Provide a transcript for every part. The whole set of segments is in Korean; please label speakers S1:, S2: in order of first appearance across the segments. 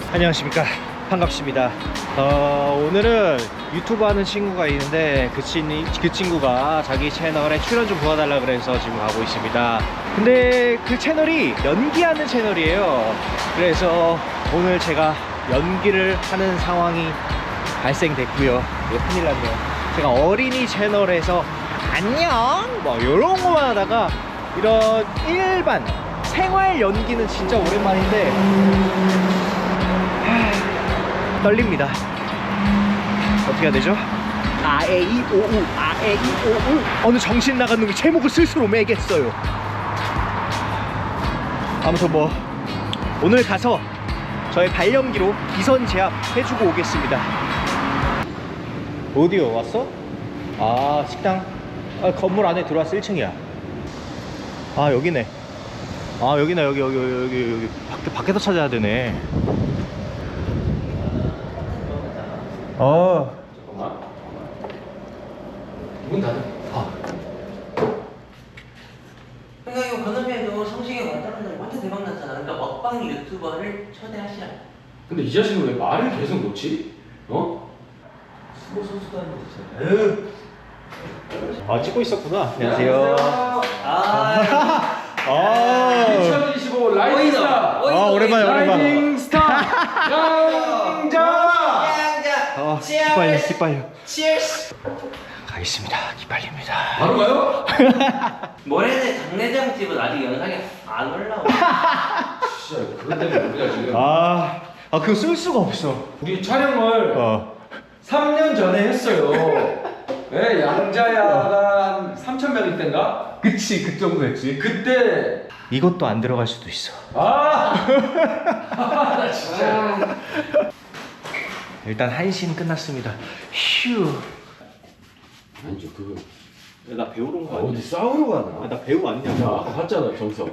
S1: 안녕하십니까, 반갑습니다. 오늘은 유튜브 하는 친구가 있는데 그 친구가 자기 채널에 출연 좀 도와달라 그래서 지금 가고 있습니다. 근데 그 채널이 연기하는 채널이에요. 그래서 오늘 제가 연기를 하는 상황이 발생됐고요. 이거 큰일 났네요. 제가 어린이 채널에서 안녕 뭐 이런 거만 하다가 이런 일반 생활 연기는 진짜 오랜만인데 떨립니다. 어떻게 해야 되죠? 아에이오우 아에이오우. 어느 정신 나간 놈이 제목을 스스로 매겠어요. 아무튼 뭐 오늘 가서 저의 발연기로 기선 제압 해주고 오겠습니다. 어디요? 왔어? 아, 식당? 아, 건물 안에 들어왔어. 1층이야. 아, 여기네. 아, 여기네. 여기 밖에서 찾아야 되네.
S2: 잠깐만. 문 닫아.
S3: 그러니까 이거 건너편에도 성시경 왔다는 날 완전 대박 났잖아. 그러니까 먹방 유튜버를 초대하시라.
S2: 근데 이 자식은 왜 말을 계속 놓지?
S3: 수고 선수도 하는 거 진짜.
S1: 아, 찍고 있었구나. 안녕하세요.
S3: 아,
S2: 2025 라이딩 스타.
S1: 오랜만에.
S2: 라이딩 스타. 양자.
S1: 기빨려, 기빨려.
S3: 치얼스.
S1: 가겠습니다. 기빨립니다.
S2: 바로 가요?
S3: 모레는 장례장집은 아직 영상이 안 올라오고.
S2: 진짜 그것 때문에 우리가 지금
S1: 그거 쓸 수가 없어.
S2: 우리 촬영을 3년 전에 했어요. 왜 양자야가 한 3,000명일 땐가?
S1: 그치, 그 정도 됐지.
S2: 그때
S1: 이것도 안 들어갈 수도 있어.
S2: 나 진짜.
S1: 일단 한신 끝났습니다. 휴.
S2: 아니죠 그거.
S1: 야, 나 배우러 온 거 아니야?
S2: 어디 싸우러 가나?
S1: 나 배우 아니냐?
S2: 야 아까 봤잖아 정석.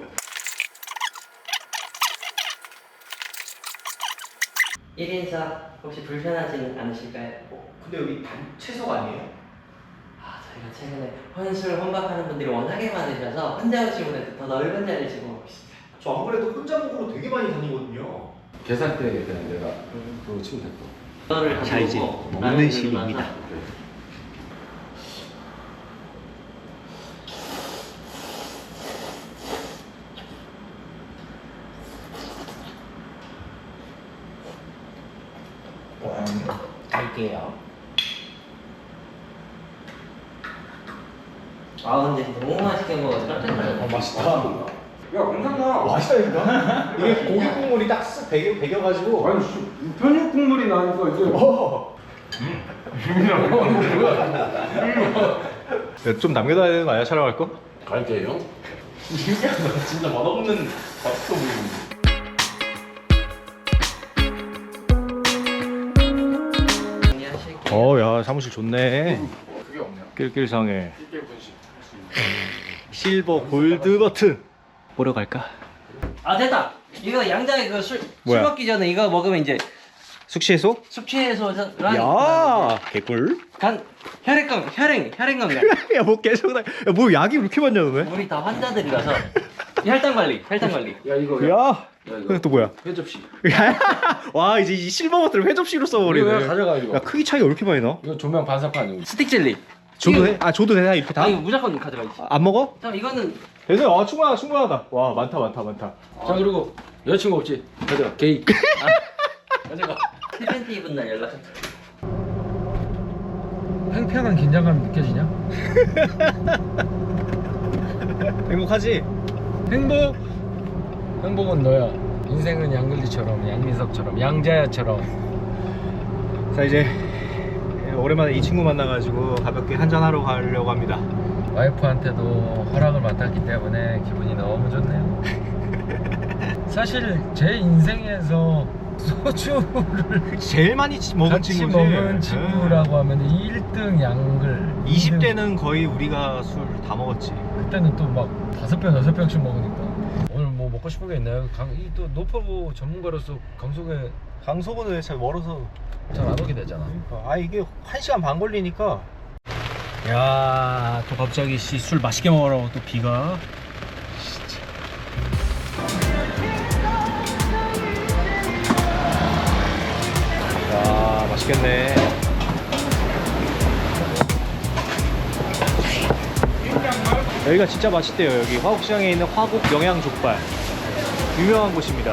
S3: 1인사 혹시 불편하진 않으실까요?
S1: 근데 여기 단체석 아니에요?
S3: 저희가 최근에 혼술 혼밥하는 분들이 워낙에 많으셔서 혼자 오신 분한테 더 넓은 자리를 제공하고 있습니다.
S1: 저 안 그래도 혼자 먹으러 되게 많이 다니거든요.
S2: 계산대에 대한 내가 그거 치면 됐고.
S3: 너를
S1: 자, 이제
S3: 보고
S1: 먹는
S3: 나는
S1: 시간입니다.
S3: 들으면서 갈게요. 근데 너무 맛있게 먹어서 깜짝 놀랐네.
S1: 맛있다.
S2: 야 공상나.
S1: 맛있다니까? 이게 고기 국물이 딱 쓱 배겨가지고.
S2: 아니 편육 국물이 나니까 이제.
S1: 야, 좀 남겨둬야 되는 거 아니야? 촬영할 거?
S2: 갈게요.
S1: 진짜 맛없는 맛있어 보이는데. 야, 사무실 좋네.
S2: 그게 없네요.
S1: 낄낄상해.
S2: 이게 분식.
S1: 실버 골드 버튼. 보러 갈까?
S3: 됐다. 이거 양장에 술
S1: 뭐야?
S3: 먹기 전에 이거 먹으면 이제
S1: 숙취해소?
S3: 숙취해소랑
S1: 야, 개꿀.
S3: 혈액 건강.
S1: 야, 뭐 계속 야, 뭐 약이 그렇게 많냐 너네?
S3: 우리 다 환자들이라서 혈당 관리.
S2: 야 이거.
S1: 야,
S2: 이거.
S1: 또 뭐야?
S2: 회접시.
S1: 와, 이제 이 실버 버튼을 회접시로 써버리네.
S2: 이거 가져가 이거.
S1: 야, 크기 차이가 왜 이렇게 많이 나?
S2: 이거 조명 반사판.
S3: 스틱 젤리.
S1: 줘도 돼? 줘도 되나 이렇게 다?
S3: 이거 무조건 가져가야지.
S1: 안 먹어?
S3: 잠깐 이거는
S1: 됐어요. 충분하다. 와, 많다.
S2: 자 그리고 여자친구 없지? 가져가. 게이. 가져가.
S3: 팬티 입은 날 연락.
S2: 팽팽한 긴장감이 느껴지냐?
S1: 행복하지?
S2: 행복은 너야. 인생은 양글리처럼, 양민석처럼, 양자야처럼.
S1: 자, 이제 오랜만에 이 친구 만나가지고 가볍게 한잔하러 가려고 합니다.
S2: 와이프한테도 허락을 맡았기 때문에 기분이 너무 좋네요. 사실 제 인생에서 소주를
S1: 제일 많이 먹은
S2: 같이
S1: 친구지.
S2: 먹은 친구라고 하면 1등 양글.
S1: 20대는 거의 우리가 술 다 먹었지.
S2: 그때는 또 막 5병, 6병씩 먹으니까. 오늘 뭐 먹고 싶은 게 있나요? 또 노포부 전문가로서
S1: 강서구는 잘 멀어서
S2: 잘 안 오게 되잖아.
S1: 이게 1시간 반 걸리니까. 야, 또 갑자기 술 맛있게 먹으라고 또 비가. 진짜. 맛있겠네. 여기가 진짜 맛있대요. 여기 화곡시장에 있는 화곡 영양족발 유명한 곳입니다.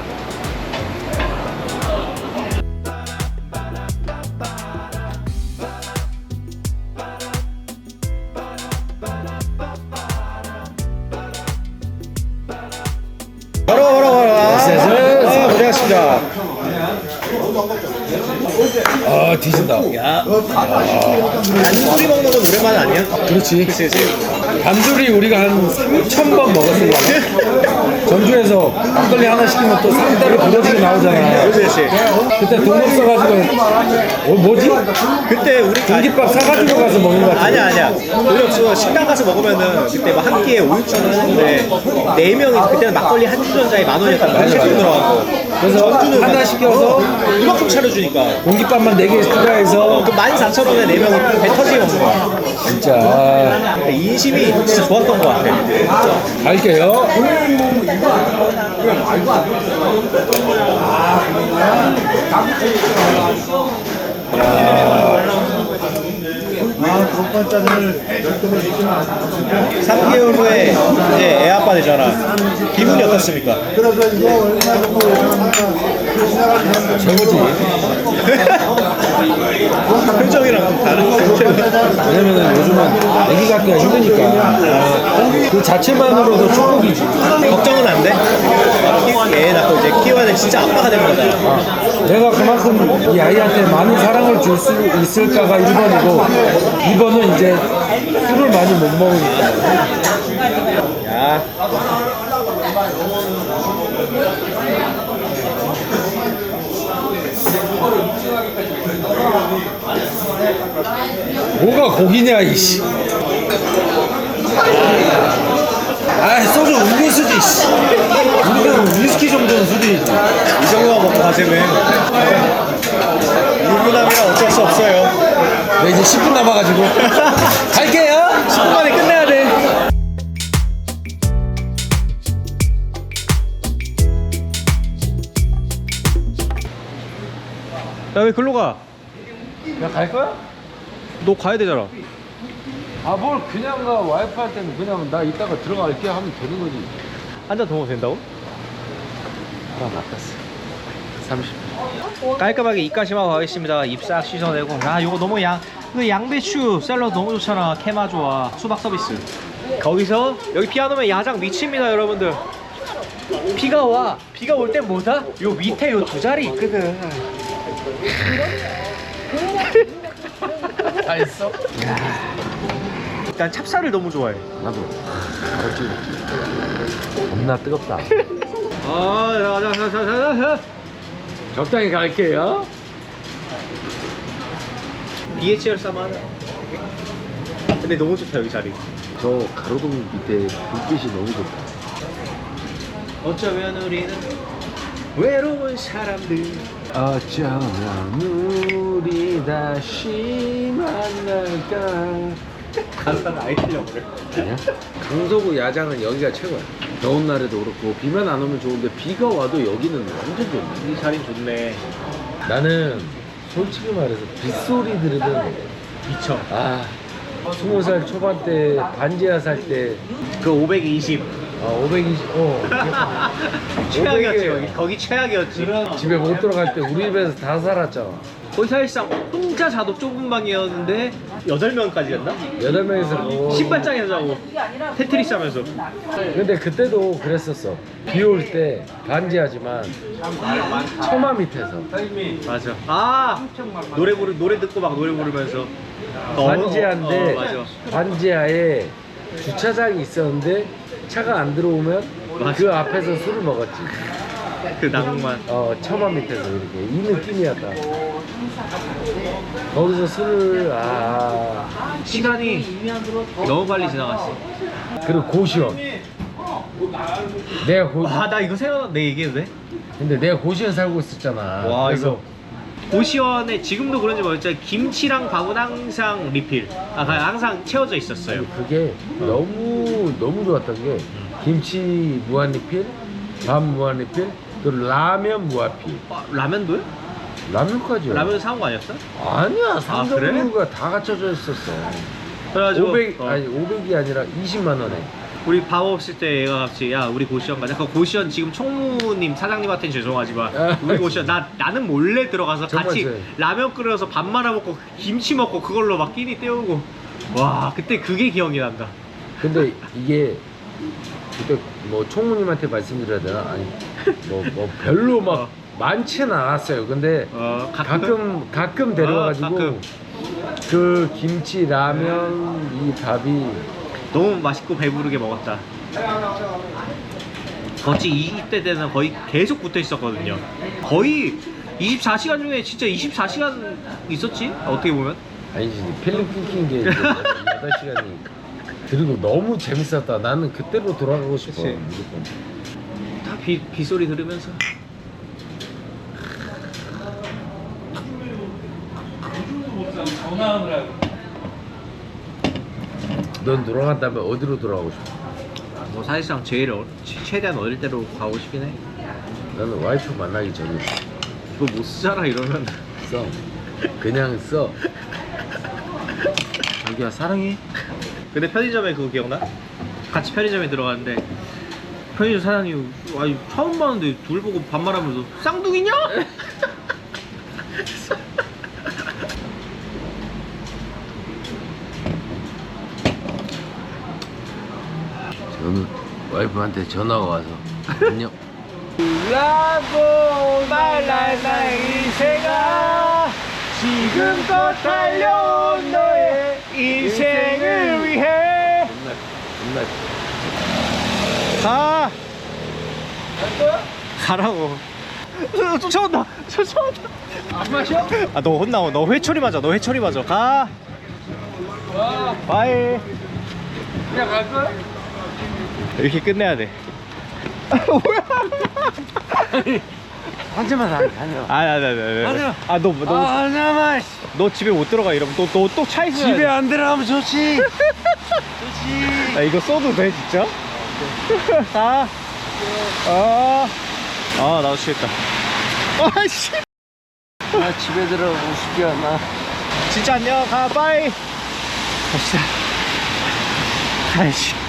S1: 바로 고생하셨습니다.
S2: 아 뒤진다.
S1: 단소리 먹는 건 오랜만 아니야?
S2: 그렇지.
S1: 그치.
S2: 단둘이 우리가 한 3,000번 먹었을 거야. 전주에서 막걸리 하나 시키면 또 상다리 부러지게 나오잖아.
S1: 그치.
S2: 그때 돈 없어가지고 뭐지?
S1: 그때 우리
S2: 공깃밥 사가지고 가서 먹는 거 같아.
S1: 아니야. 우리 없어 식당 가서 먹으면은 그때 막 한 끼에 5, 6천 원 했는데 4명이 그때는 막걸리 한 주전자에 10,000원이었단 말이야. 세트 들어가고.
S2: 그래서
S1: 전주는
S2: 하나 시켜서
S1: 이만큼 차려주니까.
S2: 공깃밥만 4개 추가해서
S1: 그 14,000원에 4명이 배 터지게 먹는 거야.
S2: 진짜
S1: 인심이 진짜 좋았던 것 같아.
S2: 갈게요.
S4: 돈반찬을 10통을 시키면 안 돼.
S1: 3개월 후에 이제 애 아빠 되잖아. 기분이 어떻습니까?
S4: 그래서 이거 얼마 정도 예상합니까? 지나가는 사람들
S2: 최고지.
S1: 표정이랑 좀 다른.
S2: 왜냐면은 요즘은 애기 갖기가 힘드니까 그 자체만으로도 축복이지.
S1: 걱정은 안 돼? 애 낳고 이제 키워야 돼. 진짜 아빠가 되는 거잖아.
S2: 내가 그만큼 이 아이한테 많은 사랑을 줄 수 있을까가 1번이고 2번은 이제 술을 많이 못 먹으니까.
S1: 야.
S2: 뭐가 고기냐 이씨. 아 소주 음료수지 씨. 우리는 위스키 정도는 수준이지.
S1: 이 정도만 먹고 가자면 유부남이라 어쩔 수 없어요.
S2: 네, 이제 10분 남아가지고 갈게요.
S1: 10분 만에 끝내야 돼. 야, 왜 글로 가?
S2: 야 갈 거야?
S1: 너 가야 되잖아.
S2: 아 뭘 그냥 가. 와이프 할 때는 그냥 나 이따가 들어갈게 하면 되는 거지.
S1: 한 잔 더 먹어도 된다고?
S2: 아 맞았어. 30분.
S1: 깔끔하게 입가심하고 가겠습니다. 입 싹 씻어내고. 아, 요거 너무 그 양배추 샐러드 너무 좋잖아. 케마 좋아. 수박 서비스. 거기서 여기 비 안 오면 야장 미칩니다, 여러분들. 비가 와. 비가 올 땐 뭐다? 요 밑에 요 두 자리 있거든.
S2: 다 했어?
S1: 일단 찹쌀을 너무 좋아해.
S2: 나도. 알았지. 겁나 뜨겁다.
S1: 자.
S2: 적당히 갈게요.
S1: BHR 싸만. 근데 너무 좋다 여기 자리.
S2: 저 가로등 밑에 불빛이 너무 좋다.
S1: 어쩌면 우리는 외로운 사람들.
S2: 어쩌면 우리 다시 만날까.
S1: 가사는 아예 틀려버려.
S2: 아니야? 강서구 야장은 여기가 최고야. 더운 날에도 그렇고 비만 안 오면 좋은데 비가 와도 여기는 완전 좋네.
S1: 이 자리 좋네.
S2: 나는 솔직히 말해서 빗소리 들으면
S1: 미쳐.
S2: 아 20살 초반 때 반지하 살 때
S1: 그 520.
S2: 520
S1: 최악이었지
S2: 500에
S1: 거기 최악이었지.
S2: 집에 못 들어갈 때 우리 집에서 다 살았잖아.
S1: 거기 사실상 혼자 자도 좁은 방이었는데 8명까지였나?
S2: 8명이서
S1: 신발장에서 자고 테트리스 하면서.
S2: 근데 그때도 그랬었어. 비 올 때 반지하지만 처마 밑에서
S1: 맞아. 아 노래 듣고 막 노래 부르면서.
S2: 반지하인데
S1: 맞아.
S2: 반지하에 주차장이 있었는데 차가 안 들어오면
S1: 맞아.
S2: 그 앞에서 술을 먹었지.
S1: 그 낭만.
S2: 처마 밑에서 이렇게 이 느낌이었다. 거기서 술을
S1: 시간이 너무 빨리 지나갔어.
S2: 그리고 고시원. 내가
S1: 나 이거 생각나. 내 얘기해도 돼?
S2: 근데 내가 고시원 살고 있었잖아.
S1: 와,
S2: 그래서
S1: 이거 고시원에 지금도 그런지 모르겠지만 김치랑 밥은 항상 리필. 항상 채워져 있었어요.
S2: 그게 너무 좋았던 게 김치 무한 리필, 밥 무한 리필, 또 라면 무한필.
S1: 라면도요?
S2: 라면까지요.
S1: 라면 사온 거 아니었어?
S2: 아니야, 상점
S1: 그래?
S2: 메뉴가 다 갖춰져 있었어.
S1: 그래가지고
S2: 500
S1: 어,
S2: 아니 500이 아니라 20만 원에.
S1: 우리 밥 없을 때 얘가 같이 야 우리 고시원 가자. 그 고시원 지금 총무님 사장님한테는 죄송하지만 우리 고시원 나는 몰래 들어가서
S2: 정말
S1: 같이
S2: 제-
S1: 라면 끓여서 밥 말아 먹고 김치 먹고 그걸로 막 끼니 때우고 와 그때 그게 기억이 난다.
S2: 근데 이게 그때 뭐 총무님한테 말씀드려야 되나? 아니 뭐 별로 막
S1: 어.
S2: 많지는 않았어요. 근데 가끔 데려와가지고
S1: 가끔.
S2: 그 김치 라면 이 밥이
S1: 너무 맛있고 배부르게 먹었다. 거치 20대 때는 거의 계속 붙어 있었거든요. 거의 24시간 중에 진짜 24시간 있었지? 어떻게 보면.
S2: 아니지 필름 끊긴 게 8시간이니까. 그리고 너무 재밌었다. 나는 그때로 돌아가고 싶어.
S1: 그치.
S2: 무조건.
S1: 다 빗소리 들으면서.
S2: 넌 돌아간다면 어디로 돌아가고 싶어?
S1: 뭐 사실상 제일 최대한 어릴 때로 가고 싶긴 해.
S2: 나는 와이프 만나기 전에
S1: 이거 못 쓰잖아 이러면.
S2: 써. 그냥 써. 자기야 사랑해.
S1: 근데 편의점에 그거 기억나? 같이 편의점에 들어갔는데 편의점 사장님 아니 처음 봤는데 둘 보고 반말하면서 쌍둥이냐?
S2: 저는 와이프한테 전화가 와서 안녕.
S1: 라고 말할 나의 인생아 지금껏 달려온 너의 인생을 위해
S2: 끝나.
S1: 가! 가라고. 쫓아온다! 쫓아온다! 안 마셔? 아, 너 혼나워. 너 회초리 맞아. 너 회초리 맞아. 가! 바이!
S2: 그냥 갈 거야?
S1: 이렇게 끝내야 돼. 뭐야?
S2: 한잔만 다녀.
S1: 아, 너
S2: 하나만.
S1: 너 집에 못 들어가 이러면 너 또 차 있어야
S2: 집에
S1: 돼.
S2: 안 들어가면 좋지. 좋지.
S1: 아, 이거 써도 돼 진짜? 가. 나도 취했다. 아씨.
S2: 나 집에 들어가고 싶지 않아.
S1: 진짜 안녕. 가. 빠이. 갑시다. 아이씨.